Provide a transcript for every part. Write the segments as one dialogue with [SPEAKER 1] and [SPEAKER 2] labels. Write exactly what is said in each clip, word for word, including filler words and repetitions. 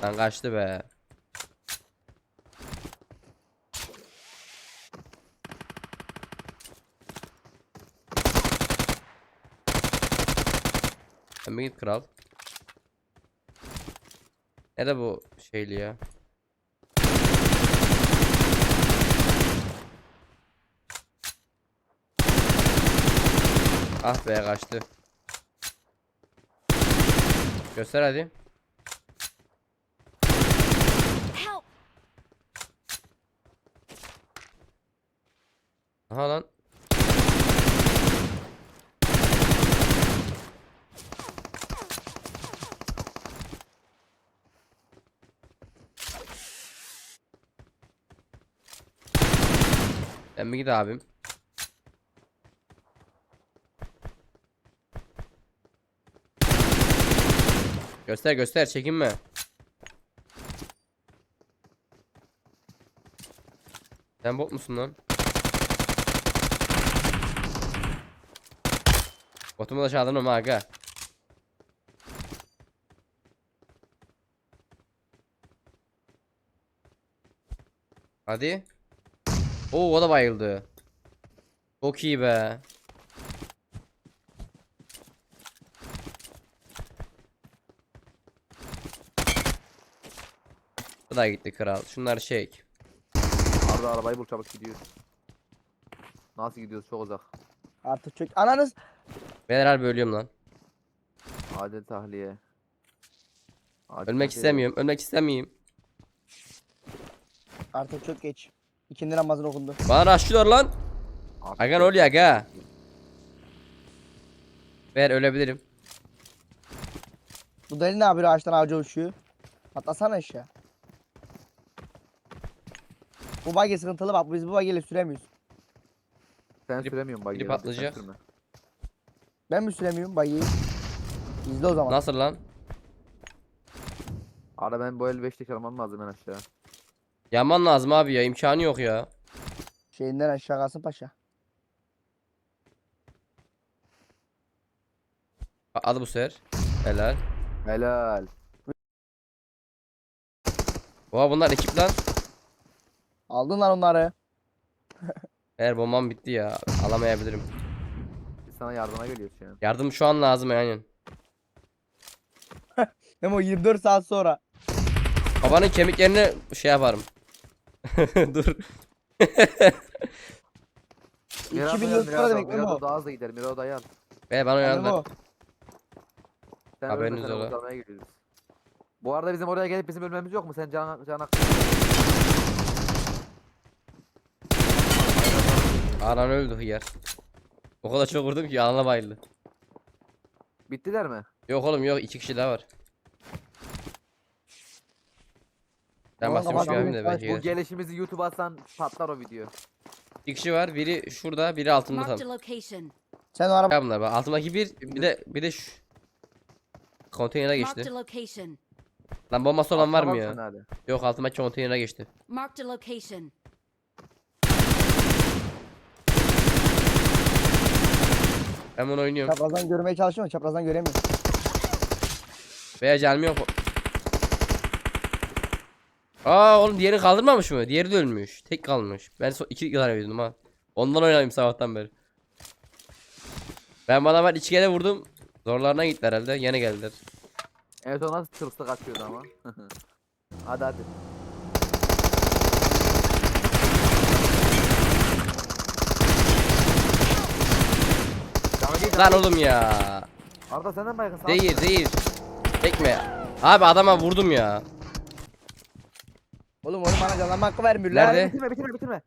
[SPEAKER 1] Lan kaçtı be. Sen bir git kral. Nerede bu şeyli ya? Ah be kaçtı. Göster hadi.
[SPEAKER 2] Help!
[SPEAKER 1] Aha lan. Sen bir git abim. Göster göster çekinme. Sen bot musun lan? Botumu da çaldın ama aga. Hadi. Oo o da bayıldı. Çok iyi be. Bu da gitti kral. Şunlar çek.
[SPEAKER 3] Arda arabayı bul çabuk gidiyoruz. Nasıl gidiyoruz çok uzak.
[SPEAKER 4] Artık çök. Ananız.
[SPEAKER 1] Ben harbi ölüyorum lan.
[SPEAKER 3] Acil tahliye. Acil
[SPEAKER 1] Ölmek
[SPEAKER 3] tahliye.
[SPEAKER 1] istemiyorum. Ölmek istemiyorum.
[SPEAKER 4] Artık çok geç. İkindi namazın okundu.
[SPEAKER 1] Bana rushlıyorlar lan.
[SPEAKER 3] Artık
[SPEAKER 1] Aga ne
[SPEAKER 3] çok-
[SPEAKER 1] oluyor aga? Ver ölebilirim.
[SPEAKER 4] Bu deli ne yapıyor, ağaçtan ağaca uçuyor? Atlasana aşağı. Bu buggy sıkıntılı bak, biz bu buggy ile süremiyoruz.
[SPEAKER 3] Sen
[SPEAKER 1] Biri-
[SPEAKER 3] süremiyorsun bak.
[SPEAKER 1] biri
[SPEAKER 3] ya,
[SPEAKER 1] patlayacak.
[SPEAKER 3] sen sürme.
[SPEAKER 4] Ben mi süremiyorum buggy'yi? İzle o zaman.
[SPEAKER 1] Nasıl lan?
[SPEAKER 3] Arda ben bu el beş tek almam lazım en aşağı.
[SPEAKER 1] Yaman lazım abi ya. İmkanı yok ya.
[SPEAKER 4] Şeyinden aşağı kalsın paşa.
[SPEAKER 1] Al bu sefer. Helal.
[SPEAKER 3] Helal.
[SPEAKER 1] Oha bunlar ekip lan.
[SPEAKER 4] Aldın lan onları.
[SPEAKER 1] Eğer bombam bitti ya. Alamayabilirim.
[SPEAKER 3] Biz sana yardıma geliyoruz şu an.
[SPEAKER 1] Yardım şu an lazım yani.
[SPEAKER 4] Hem o yirmi dört saat sonra.
[SPEAKER 1] Babanın kemiklerini şey yaparım. Dur.
[SPEAKER 3] Mira
[SPEAKER 4] iki bin
[SPEAKER 3] da
[SPEAKER 4] lira
[SPEAKER 3] Mira da-
[SPEAKER 4] demek
[SPEAKER 3] Mira
[SPEAKER 4] Memo.
[SPEAKER 3] da daha hızlı gider. Mira da yar.
[SPEAKER 1] Ve bana
[SPEAKER 4] Memo.
[SPEAKER 1] uyandılar.
[SPEAKER 3] Sen
[SPEAKER 1] Haberiniz
[SPEAKER 3] ölme, sen
[SPEAKER 1] ola.
[SPEAKER 3] kurtarmaya geliyoruz. Bu arada bizim oraya gelip bizim ölmemiz yok mu? Sen can can
[SPEAKER 1] Anan öldü hıyar. O kadar çok vurdum ki anana bayıldı.
[SPEAKER 3] Bittiler mi?
[SPEAKER 1] Yok oğlum yok iki kişi daha var. Ben
[SPEAKER 4] Oğlum,
[SPEAKER 1] basıyormuş bir
[SPEAKER 4] kapatalım,
[SPEAKER 1] abim de belki
[SPEAKER 4] bu
[SPEAKER 3] Bu
[SPEAKER 1] gelir.
[SPEAKER 3] gelişimizi YouTube'a atsan patlar o video.
[SPEAKER 1] İki kişi var. Biri şurada, biri altımda
[SPEAKER 2] Marked
[SPEAKER 1] tam.
[SPEAKER 2] a location.
[SPEAKER 4] Sen o araba
[SPEAKER 1] Ya bunlar bak altımdaki bir, bir de bir de şu konteynere
[SPEAKER 2] Marked
[SPEAKER 1] geçti.
[SPEAKER 2] a location.
[SPEAKER 1] Lan bombası olan var mı
[SPEAKER 3] Atlamazsın
[SPEAKER 1] ya?
[SPEAKER 3] hadi.
[SPEAKER 1] Yok altımdaki konteynere geçti.
[SPEAKER 2] Marked a location.
[SPEAKER 1] Ben bunu oynuyorum.
[SPEAKER 4] çaprazdan görmeye çalışıyorum, çaprazdan göremiyorum.
[SPEAKER 1] Veya canım yok. Aa oğlum diğeri kaldırmamış mı? Diğeri de ölmüş. Tek kalmış. Ben so iki tane verdim ha. Ondan oynayayım sabahtan beri. Ben bana ben iki kere vurdum. Zorlarına gitti herhalde. Yine geldiler.
[SPEAKER 3] Evet o nasıl tırstı kaçıyordu ama. Hadi hadi. Canı değil,
[SPEAKER 1] Lan
[SPEAKER 3] canı
[SPEAKER 1] oğlum ya.
[SPEAKER 3] Arda senden baygın sağ.
[SPEAKER 1] Değil değil. Tekme. Abi adama vurdum ya.
[SPEAKER 4] Oğlum onu bana canlanma hakkı vermiyorlar.
[SPEAKER 1] Nerede?
[SPEAKER 3] Bitirme bitirme bitirme.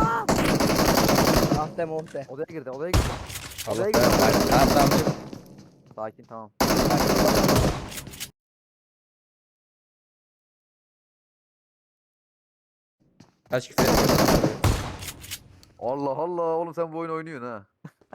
[SPEAKER 4] Ah deme oh de.
[SPEAKER 3] Odaya girdi odaya girdi.
[SPEAKER 1] Allah
[SPEAKER 3] Odaya
[SPEAKER 1] belanı
[SPEAKER 3] girdi.
[SPEAKER 1] versin. Tamam tamam.
[SPEAKER 3] Sakin tamam.
[SPEAKER 1] Kaç küfür ettim.
[SPEAKER 3] Allah Allah oğlum sen bu oyunu oynuyorsun ha.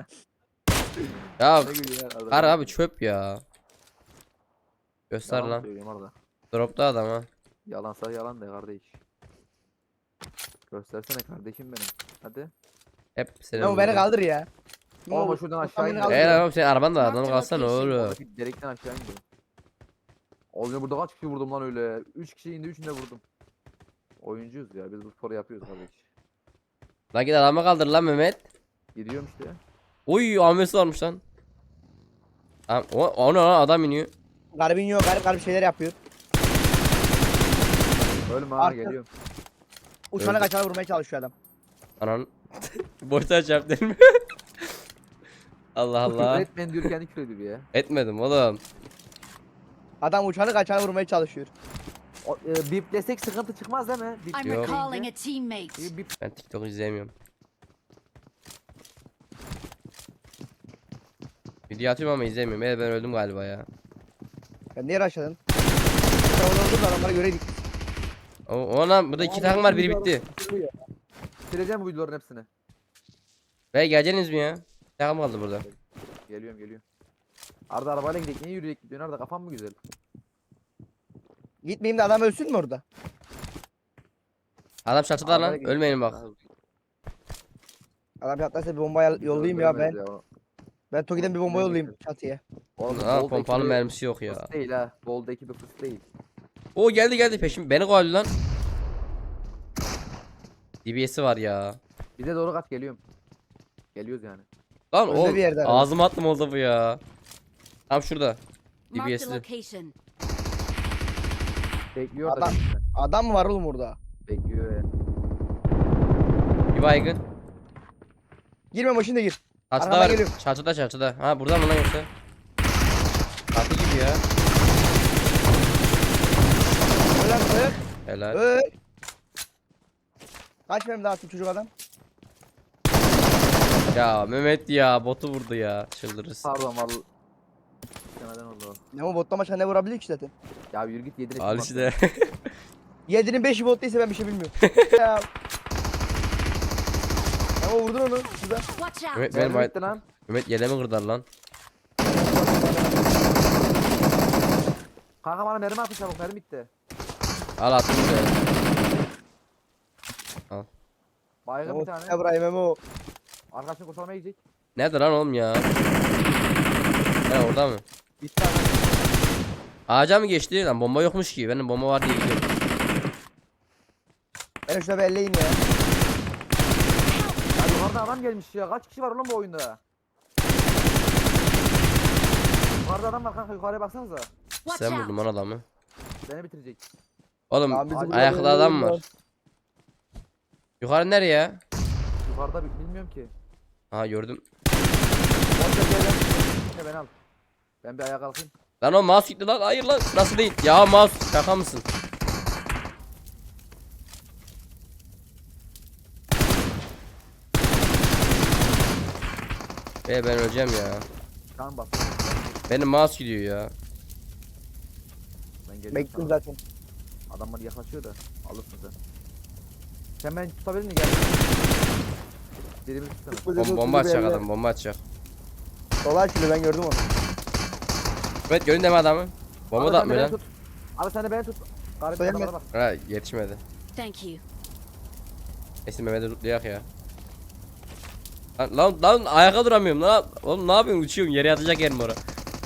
[SPEAKER 1] Ya
[SPEAKER 3] Ne gülüyor ya Arda?
[SPEAKER 1] kar abi çöp ya. Göster
[SPEAKER 3] Yalan
[SPEAKER 1] lan.
[SPEAKER 3] söylüyorum Arda.
[SPEAKER 1] Dropta adam ha.
[SPEAKER 3] Yalansa yalan de kardeş. Göstersene kardeşim benim. Hadi.
[SPEAKER 1] Hep senin.
[SPEAKER 4] Memo beni
[SPEAKER 1] vurdun.
[SPEAKER 4] kaldır ya. Memo,
[SPEAKER 3] Oğlum şuradan
[SPEAKER 4] bu
[SPEAKER 3] aşağı
[SPEAKER 4] beni
[SPEAKER 3] in.
[SPEAKER 4] kaldır.
[SPEAKER 1] Eğer oğlum senin araban da adam
[SPEAKER 2] Marked
[SPEAKER 1] kalsana
[SPEAKER 2] location.
[SPEAKER 1] oğlum.
[SPEAKER 3] Oradaki delikten aşağı indi. Oğlum burada kaç kişi vurdum lan öyle? üç kişi indi, üçünü de vurdum. Oyuncuyuz ya, biz bu sporu yapıyoruz kardeş.
[SPEAKER 1] Lan git adamı kaldır lan Mehmet.
[SPEAKER 3] Gidiyorum işte.
[SPEAKER 1] Oy Ahmet'i varmış lan. Tamam o, o ne lan adam iniyor.
[SPEAKER 4] Garip iniyor, garip garip şeyler yapıyor.
[SPEAKER 3] Ölme ha,
[SPEAKER 4] Arka-
[SPEAKER 3] geliyorum.
[SPEAKER 4] Uçana
[SPEAKER 1] Öldü.
[SPEAKER 4] kaçana vurmaya çalışıyor adam.
[SPEAKER 1] Anan. Boşta çarp değil mi? Allah
[SPEAKER 3] Küfür
[SPEAKER 1] Allah.
[SPEAKER 3] etmeyin diyor, kendi küfür ediyor ya.
[SPEAKER 1] Etmedim oğlum.
[SPEAKER 4] Adam uçanı kaçana vurmaya çalışıyor.
[SPEAKER 3] O, e, biplesek sıkıntı çıkmaz değil mi? Bip
[SPEAKER 2] I'm
[SPEAKER 1] Yo.
[SPEAKER 2] recalling a teammate.
[SPEAKER 3] deyince- bip
[SPEAKER 1] Ben TikTok izleyemiyorum. Video atıyorum ama izlemiyorum. Evet ben öldüm galiba ya.
[SPEAKER 4] Ya niye raşladın? Sen orada oldun da adamları göreydik.
[SPEAKER 1] O, o lan burada iki takım var biri bitti.
[SPEAKER 3] sileceğim bu videoların hepsini.
[SPEAKER 1] Ve geleceksiniz mi ya? Bir takım kaldı burada.
[SPEAKER 3] Geliyorum geliyorum. Arda arabayla gidelim. Niye yürüyerek gidiyorsun Arda, kafan mı güzel?
[SPEAKER 4] Gitmeyeyim de adam ölsün mü orada?
[SPEAKER 1] Adam çatıda
[SPEAKER 3] Arabayla
[SPEAKER 1] lan.
[SPEAKER 3] gidelim.
[SPEAKER 1] Ölmeyin bak.
[SPEAKER 4] Adam yatlarsa bir bomba yol- yollayayım ya ben.
[SPEAKER 3] Görmez ya.
[SPEAKER 4] Ben Toki'den bir bomba
[SPEAKER 3] Görmez
[SPEAKER 4] yollayayım
[SPEAKER 3] ya.
[SPEAKER 4] çatıya.
[SPEAKER 3] Oğlum,
[SPEAKER 1] Aa
[SPEAKER 3] Bold
[SPEAKER 1] pompalı
[SPEAKER 3] ekibi
[SPEAKER 1] mermisi yok ya.
[SPEAKER 3] fıs değil ha. Bold ekibi fıs değil.
[SPEAKER 1] O geldi geldi peşim. Beni kovaldı lan. D B S'i var ya.
[SPEAKER 3] Bize doğru kaç, geliyorum. Geliyoruz yani.
[SPEAKER 1] Lan
[SPEAKER 4] Önde
[SPEAKER 1] o
[SPEAKER 4] bir yerde herhalde.
[SPEAKER 1] ağzıma attım oldu bu ya. Tam şurada.
[SPEAKER 2] Marked a
[SPEAKER 1] D B S'i.
[SPEAKER 2] location.
[SPEAKER 3] Bekliyor da
[SPEAKER 4] Adam-
[SPEAKER 3] bizden.
[SPEAKER 4] Adam mı var oğlum orada?
[SPEAKER 3] Bekliyor ya.
[SPEAKER 1] Bir baygın.
[SPEAKER 4] Girme başında gir.
[SPEAKER 1] Çatıda
[SPEAKER 4] Arkadan
[SPEAKER 1] var.
[SPEAKER 4] geliyorum.
[SPEAKER 1] Çatıda çatıda. Ha burada mı lan yoksa? Çatı gibi ya.
[SPEAKER 4] Öl lan öl.
[SPEAKER 1] Helal.
[SPEAKER 4] Öl. Kaç benim daha attım çocuk adam?
[SPEAKER 1] Ya Mehmet ya botu vurdu ya. Çıldırırız.
[SPEAKER 3] Pardon vallahi. Neden oldu o?
[SPEAKER 4] Ne o botta maçta ne vurabilir ki zaten?
[SPEAKER 3] Ya yürü git yedine.
[SPEAKER 1] Al işte.
[SPEAKER 4] Yedinin beşi bot değilse ben bir şey bilmiyorum. ya. Ama vurdun onu. Güzel.
[SPEAKER 2] Watch out.
[SPEAKER 1] Mehmet, benim
[SPEAKER 3] Mermi
[SPEAKER 1] bay...
[SPEAKER 3] bitti lan.
[SPEAKER 1] Mehmet yelemi kırdılar lan.
[SPEAKER 3] Kanka bana mermi atın çabuk, mermi bitti.
[SPEAKER 1] Al attım ya.
[SPEAKER 3] Baygın bir
[SPEAKER 4] Memo
[SPEAKER 3] tane.
[SPEAKER 4] Ebrahim Memo.
[SPEAKER 3] Arkadaşını kurtarmaya gidecek.
[SPEAKER 1] Nerede lan oğlum ya? He orada mı?
[SPEAKER 3] Bitti abi.
[SPEAKER 1] Ağaca mı geçti lan? Bomba yokmuş ki. Benim bomba var diye gidiyorum.
[SPEAKER 4] Beni şuna bir elleyin ya.
[SPEAKER 3] Ya yukarıda adam gelmiş ya. Kaç kişi var oğlum bu oyunda? Yukarıda adam var kanka, yukarıya baksanıza.
[SPEAKER 2] Watch
[SPEAKER 1] Sen
[SPEAKER 2] out.
[SPEAKER 1] vurdun lan adamı.
[SPEAKER 3] Beni bitirecek.
[SPEAKER 1] Oğlum
[SPEAKER 4] Lan bizi buraya
[SPEAKER 1] ayakta adam
[SPEAKER 4] yolluyorlar.
[SPEAKER 1] var. Yukarı nereye ya?
[SPEAKER 3] Yukarıda bi- bilmiyorum ki.
[SPEAKER 1] Ha gördüm.
[SPEAKER 3] Orada gel gel. Ne ben al. Ben bir ayağa kalkayım.
[SPEAKER 1] Lan o mouse gitti lan. Hayır lan. Nasıl değil? Ya mouse şaka mısın? Be ben öleceğim ya.
[SPEAKER 3] Tamam bak.
[SPEAKER 1] Benim mouse gidiyor ya.
[SPEAKER 3] Ben geliyorum.
[SPEAKER 4] Bekliyorum
[SPEAKER 3] sana.
[SPEAKER 4] zaten.
[SPEAKER 3] Adamlar yaklaşıyor da alırsın sen. Sen beni tutabilir misin? Gel. Birimizi tutsana.
[SPEAKER 1] Bom bomba atacak adam. Bomba atacak.
[SPEAKER 4] Sola açılıyor ben gördüm onu.
[SPEAKER 1] Evet görün deme adamı. Bomba
[SPEAKER 3] Abi
[SPEAKER 1] da
[SPEAKER 3] sen de
[SPEAKER 1] atmıyor
[SPEAKER 3] beni
[SPEAKER 1] lan.
[SPEAKER 3] tut. Abi sen de beni tut. Garip
[SPEAKER 4] Söylemez.
[SPEAKER 3] adamlara bak.
[SPEAKER 1] Ha yetişmedi.
[SPEAKER 2] Thank you.
[SPEAKER 1] Neyse Mehmet'i tutlayak ya. Lan, lan lan ayakta duramıyorum lan. Oğlum ne yapıyorsun, uçuyorum, yere yatacak yerim orada.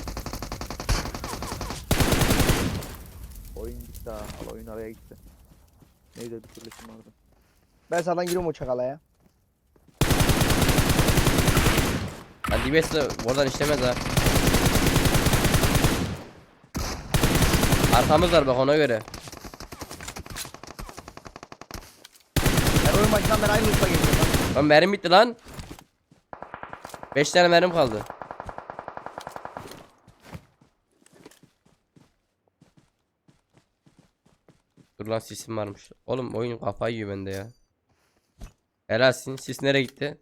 [SPEAKER 3] Oyun gitti ha. Al oyun araya gitti. Neyse bir türlüsün vardı.
[SPEAKER 4] Ben sağdan giriyorum o çakala ya.
[SPEAKER 1] Lan D B S de oradan işlemez ha. Arkamız var bak ona göre.
[SPEAKER 4] Ben oyun maçından ben aynı usta geliyorum.
[SPEAKER 1] Lan mermim bitti lan. beş tane mermim kaldı. Dur lan sisim varmış. Oğlum oyun kafayı yiyor bende ya. Helalsin. Sis nereye gitti?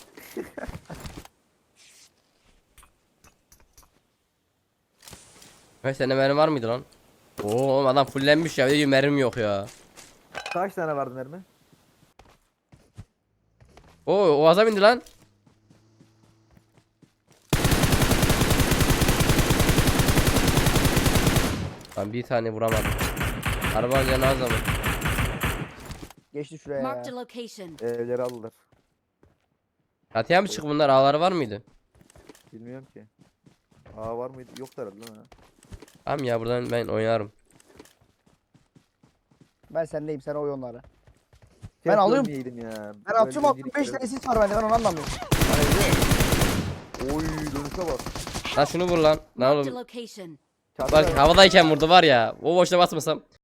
[SPEAKER 1] Kaç tane mermi var mıydı lan? Oo oğlum adam fullenmiş ya. Bir de diyor mermim yok ya.
[SPEAKER 3] Kaç tane vardı mermi?
[SPEAKER 1] Oo o aza bindi lan. Lan bir tane vuramadım. Arabanın yanı az ama.
[SPEAKER 4] Geçti şuraya
[SPEAKER 2] Marked a
[SPEAKER 4] ya.
[SPEAKER 2] location.
[SPEAKER 3] Evleri aldılar.
[SPEAKER 1] Çatıya mı çık bunlar? Ağları var mıydı?
[SPEAKER 3] Bilmiyorum ki. Aa var mıydı? Yok herhalde lan ha.
[SPEAKER 1] Tamam ya buradan ben oynarım.
[SPEAKER 4] Ben sendeyim, sen oy onları.
[SPEAKER 3] Keşke
[SPEAKER 4] alıyorum.
[SPEAKER 3] ölmeyeydim ya.
[SPEAKER 4] Ben atıyorum
[SPEAKER 3] Öldüğüm
[SPEAKER 4] altmış beş
[SPEAKER 3] gibi-
[SPEAKER 4] tane sis var bende, ben onu anlamıyorum.
[SPEAKER 3] Oy dönüşe bak.
[SPEAKER 1] Lan şunu vur lan. Lan
[SPEAKER 2] Marked a
[SPEAKER 1] oğlum.
[SPEAKER 2] location.
[SPEAKER 3] Çatıda
[SPEAKER 1] Bak havadayken vurdu var ya. O boşta basmasam.